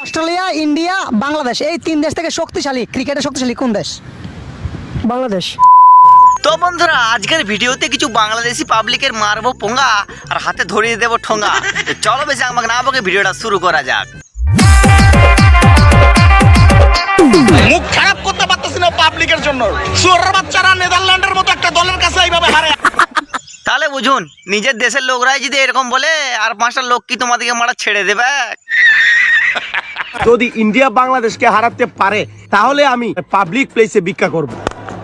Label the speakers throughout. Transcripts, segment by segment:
Speaker 1: Australia, India, Bangladesh এই তিন দেশ থেকে শক্তিশালী ক্রিকেটে শক্তিশালী কোন দেশ? বাংলাদেশ।
Speaker 2: তো বন্ধুরা, আজকের ভিডিওতে কিছু বাংলাদেশি পাবলিকের মারবো পোঙ্গা আর হাতে ধরিয়ে দেবো ঠোঙ্গা। তো চলো বেশি আমাকে না বকে ভিডিওটা শুরু করা যাক।
Speaker 3: মুখ খারাপ করতে পারতেছি না পাবলিকের জন্য। সুরের বাচ্চারা নেদারল্যান্ডের মতো একটা দলের কাছে এইভাবে হারে।
Speaker 2: তাহলে বুঝুন, নিজের দেশের লোকরাই যদি এরকম বলে, আর পাঁচটা লোক কি তোমাদেরকে মারা ছেড়ে দেবে?
Speaker 3: যদি ইন্ডিয়া বাংলাদেশকে হারাতে পারে তাহলে আমি পাবলিক প্লেসে ভিক্ষা করব।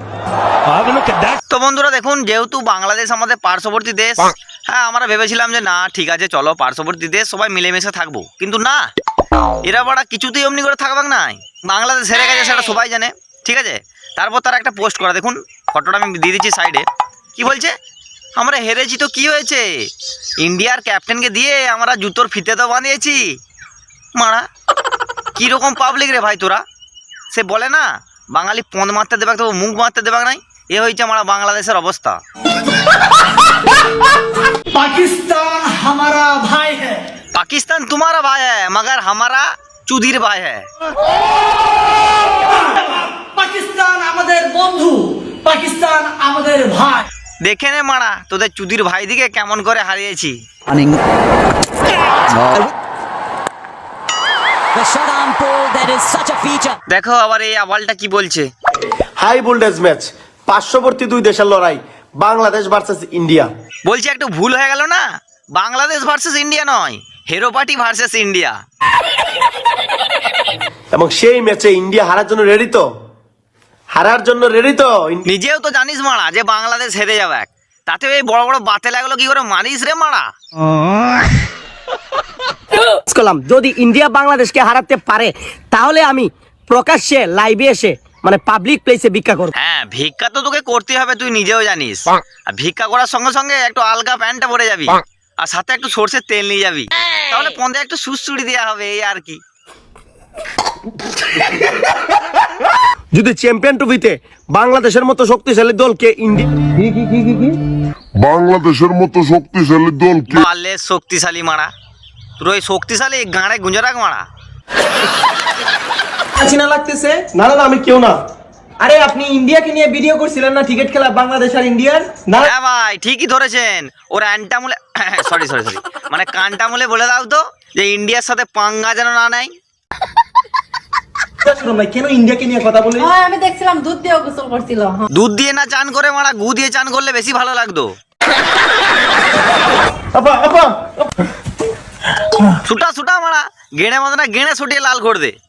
Speaker 2: তো বন্ধুরা দেখুন, যেহেতু বাংলাদেশ আমাদের পার্শ্ববর্তী দেশ, হ্যাঁ আমরা ভেবেছিলাম যে না ঠিক আছে চলো পার্শ্ববর্তী দেশ সবাই মিলেমিশে থাকবো, কিন্তু না, এরা বাড়া কিছুতেই অমনি করে থাকবে নাই। বাংলাদেশ হেরে গেছে সেটা সবাই জানে, ঠিক আছে। তারপর তারা একটা পোস্ট করা, দেখুন ফটোটা আমি দিয়ে দিচ্ছি সাইডে। কি বলছে? আমরা হেরেছি তো কি হয়েছে, ইন্ডিয়ার ক্যাপ্টেনকে দিয়ে আমরা জুতোর ফিতে তো বানিয়েছি। মারা কিরকম পাবলিক রে ভাই তোরা। সে বলে না বাঙালি পদ মারতে দেবে তো মুখ মারতে দেবে নাই, এ হয়েছে আমার বাংলাদেশের অবস্থা।
Speaker 4: पाकिस्तान हमारा भाई है।
Speaker 2: पाकिस्तान तुम्हारा भाई है मगर हमारा चुदिर भाई है।
Speaker 4: पाकिस्तान আমাদের বন্ধু, পাকিস্তান আমাদের ভাই।
Speaker 2: দেখে নে মারা তোদের চুদির ভাই দিকে কেমন করে হারিয়েছি। দেখো আবার এই আওয়ালটা কি বলছে।
Speaker 3: হাই ভোল্টেজ ম্যাচ, পার্শ্ববর্তী দুই দেশের লড়াই, বাংলাদেশ ভার্সেস ইন্ডিয়া।
Speaker 2: বলছে একটু ভুল হয়ে গেল না, বাংলাদেশ ভার্সেস ইন্ডিয়া নয়, হেরো পার্টি ভার্সেস ইন্ডিয়া।
Speaker 3: এবং সেই ম্যাচে ইন্ডিয়া হারার জন্য রেডি তো, হারার জন্য রেডি তো।
Speaker 2: নিজেও তো জানিস মারা যে বাংলাদেশ হেরে যাবে, তাতে এই বড় বড় বাতে লাগলো কি করে মারিস রে মারা।
Speaker 1: যদি ইন্ডিয়া বাংলাদেশকে হারাতে পারে তাহলে আমি প্রকাশ্যে লাইভে এসে মানে পাবলিক প্লেসে ভিক্ষা করব।
Speaker 2: হ্যাঁ ভিক্ষা তো তোকে করতে হবে, তুই নিজেও জানিস। আর ভিক্ষা করার সঙ্গে সঙ্গে একটু আলগা প্যান্টটা পরে যাবি, আর সাথে একটু সর্ষের তেল নিয়ে যাবি, তাহলে পন্দে একটু সুড়সুড়ি দেওয়া হবে, এই আর কি।
Speaker 3: যদি চ্যাম্পিয়ন ট্রফিতে বাংলাদেশের মতো শক্তিশালী দলকে ইন্ডিয়া
Speaker 5: বাংলাদেশের মতো শক্তিশালী দলকে
Speaker 2: মারলে শক্তিশালী মারা, তোর ওই শক্তিশালী গাঁড়ে গুঁজে রাখ মারা।
Speaker 6: চিনা লাগতেছে।
Speaker 3: না না আমি কেউ না।
Speaker 6: আরে আপনি ইন্ডিয়াকে নিয়ে ভিডিও করছিলেন না, ক্রিকেট খেলা বাংলাদেশ আর ইন্ডিয়ার? না
Speaker 2: হ্যাঁ ভাই ঠিকই ধরেছেন, ওর অ্যান্টামুলে সরি সরি সরি মানে কানটামুলে বলে দাও তো যে ইন্ডিয়ার সাথে পাঙ্গা যেন না নেয়।
Speaker 6: ভাই কেন ইন্ডিয়াকে নিয়ে কথা বলি?
Speaker 7: আমি দেখছিলাম দুধ দিয়ে গোসল করছিল।
Speaker 2: দুধ দিয়ে না চান করে মারা, গু দিয়ে চান করলে বেশি ভালো লাগতো।
Speaker 3: আপা আপা
Speaker 2: ছুটা ছুটা মারা, গেঁড়ে মতো না গেঁড়ে ছুটিয়ে লাল করে দে।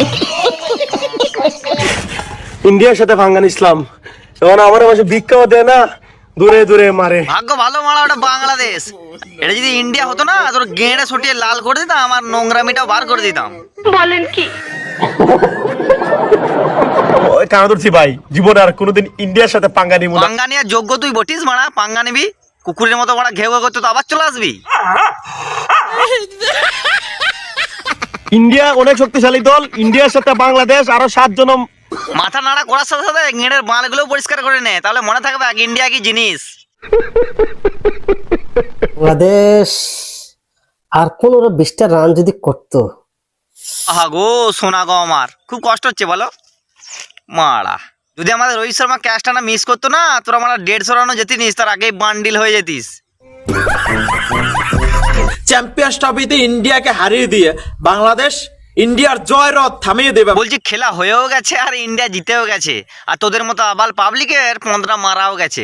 Speaker 3: ইন্ডিয়ার সাথে ভাঙ্গান ইসলাম, এখন আমার মাঝে ভিক্ষাও দেয় না, দূরে দূরে মারে।
Speaker 2: ভাগ্য ভালো মারা, ওটা বাংলাদেশ। এটা যদি ইন্ডিয়া হতো না, তোর গেঁড়ে ছুটিয়ে লাল করে দিতাম, আমার নোংরামিটাও বার করে দিতাম।
Speaker 7: বলেন কি?
Speaker 3: ওই কানা ধরছি ভাই, জীবনে আর কোনোদিন ইন্ডিয়ার সাথে পাঙ্গা নিব না।
Speaker 2: পাঙ্গা নেওয়ার যোগ্য তুই বটিস মারা, পাঙ্গা নিবি কুকুরের মতো মারা ঘেউ ঘেউ করতে, তো আবার চলে আসবি।
Speaker 3: ইন্ডিয়া অনেক শক্তিশালী দল, ইন্ডিয়ার সাথে বাংলাদেশ আরো 7 জন।
Speaker 2: মাথা নাড়া করার সাথে সাথে গেঁড়ের বালগুলো পরিষ্কার করে নে, তাহলে মনে থাকবে এক ইন্ডিয়া কি জিনিস।
Speaker 8: বাংলাদেশ আর 15-20টা রান যদি করতো।
Speaker 2: আহা গো সোনা গো, আমার খুব কষ্ট হচ্ছে বলো মারা। যদি আমাদের রোহিত শর্মা ক্যাচটা না মিস করতো না, তোরা মারা 150 রানও যেতিস, তার আগেই বান্ডিল হয়ে যেতিস।
Speaker 6: চ্যাম্পিয়ন্স ট্রফিতে ইন্ডিয়াকে হারিয়ে দিয়ে বাংলাদেশ ইন্ডিয়ার জয় রথ থামিয়ে দেবে।
Speaker 2: বলছি খেলা হয়েও গেছে আর ইন্ডিয়া জিতেও গেছে, আর তোদের মতো আবাল পাবলিকের 15 মারাও গেছে।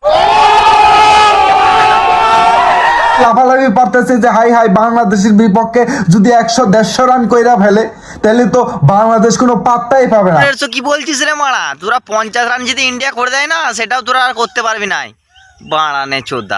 Speaker 9: লাফালাফি পারতেছে যে হাই হাই বাংলাদেশের বিপক্ষে যদি 100-150 রান কইরা ফেলে তাহলে তো বাংলাদেশ কোনো পাত্তাই পাবে না।
Speaker 2: কি বলছিস রে মারা, তোরা 50 রান যদি ইন্ডিয়া করে দেয় না, সেটাও তোরা আর করতে পারবি না। বাড়ানে চোদা।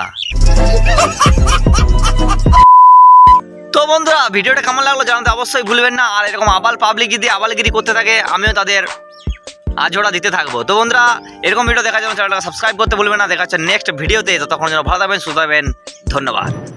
Speaker 2: তো বন্ধুরা ভিডিওটা কেমন লাগলো জানাতে অবশ্যই ভুলবেন না। আর এরকম আবাল পাবলিক যদি আবালগিরি করতে থাকে, আমিও তাদের আজোড়া দিতে থাকবো। তো বন্ধুরা এরকম ভিডিও দেখার জন্য চ্যানেলটাকে সাবস্ক্রাইব করতে ভুলবেন না। দেখা হচ্ছে নেক্সট ভিডিওতে, ততক্ষণ যেন ভালো থাকবেন, সুস্থ থাকবেন। ধন্যবাদ।